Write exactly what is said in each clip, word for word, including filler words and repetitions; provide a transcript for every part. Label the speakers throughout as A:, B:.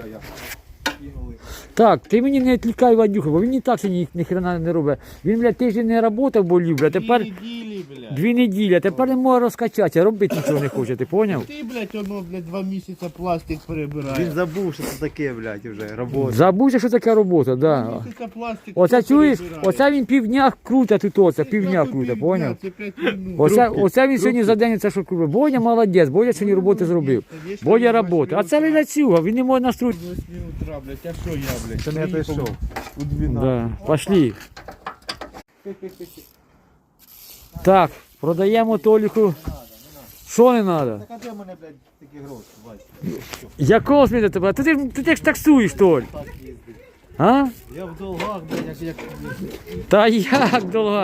A: я. Кинули.
B: Так, ти мені не відлікай Вадюха, бо він і так сьогодні ні хрена не робить. Він, блядь, тиждень не працював, болів, блядь, тепер
A: Дві неділі, блядь.
B: дві неділі, а тепер не може розкачатися, робити нічого не хоче, ти поняв?
A: Ти, блядь, воно, блядь, два місяці пластик перебирає.
C: Він забув, що це таке, блядь, вже, робота.
B: Забудься, що таке робота,
A: Два
B: да.
A: місяці пластик
B: Оце
A: хто
B: чуєш,
A: перебирає?
B: оце він півдня круте тут, оце,
A: Це
B: півдня
A: просто
B: круте,
A: півдня,
B: поняв?
A: Це п'ять минут.
B: Оце,
A: Трубки,
B: оце він сьогодні
A: трубки.
B: за день це що круте. Бодя молодець, Бодя сьогодні роботи зробив. Бодя роботи. А це ледацюга, він не може настроїти.
A: З восьми утра, блядь, а що я, блядь?
C: Це не той
A: приїхав
C: шов.
A: У дванадцять.
B: Да, пошли. Так, продаємо Толіку. Що не треба?
C: Так а де в мене, блядь, такі гроші, бачиш?
B: Якого зміни тебе? Ти, ти, ти, ти ж таксуєш, Толь.
C: Так їздить.
B: А?
C: Я в долгах, блядь, як, як...
B: Та як довго?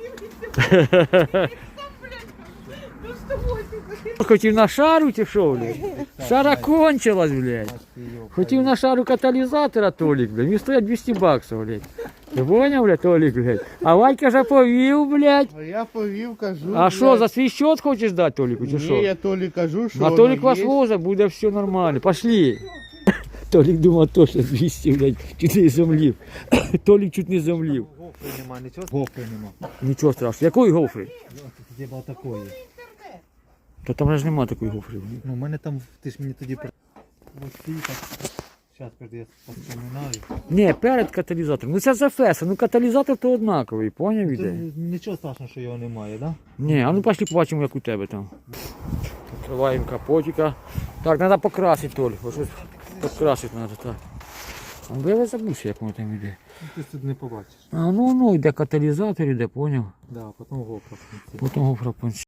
B: Хотів на шару чи що, блядь? Шара кончилась, блядь. Хотів на шару каталізатора, Толік, блядь. Він стоїть двісті баксів, блядь. Ти поняв, блядь, Толік, блядь? А Вадька же повів, блядь.
A: А я повів, кажу.
B: А що,
A: блядь.
B: за свій счет хочеш дати Толіку, чи що?
A: Ні, я Толі кажу, що
B: На
A: воно
B: Толік вас
A: є.
B: возить, буде все нормально. Пошли. Толік думав точно двісті, блядь, чуть не зомлів. Толік чуть не зомлів.
C: Гофри нема, нічого? Гофри нема.
B: Нічого страшного. Якої гофри?
C: Хіба такої.
B: Та там ж нема такої гофри.
C: Ну, у мене там, ти ж мені тоді... Ось ці так... Зараз, кажу, я поспоминаю.
B: Ні, перед каталізатором. Ну це за феса, ну каталізатор то однаковий, поняв
C: Це
B: іде?
C: нічого страшного, що його немає, да?
B: Ні, а ну пошли побачимо, як у тебе там. Відкриваємо капотика. Так, треба покрасити, Толь. Ось ось покрасити треба, так. А я забувся, як воно там йде.
C: Ну, ти тут не побачиш.
B: А ну, ну, йде каталізатор, йде, поняв?
C: Да, потім гофра в кінці.
B: Потім гофра в кінці.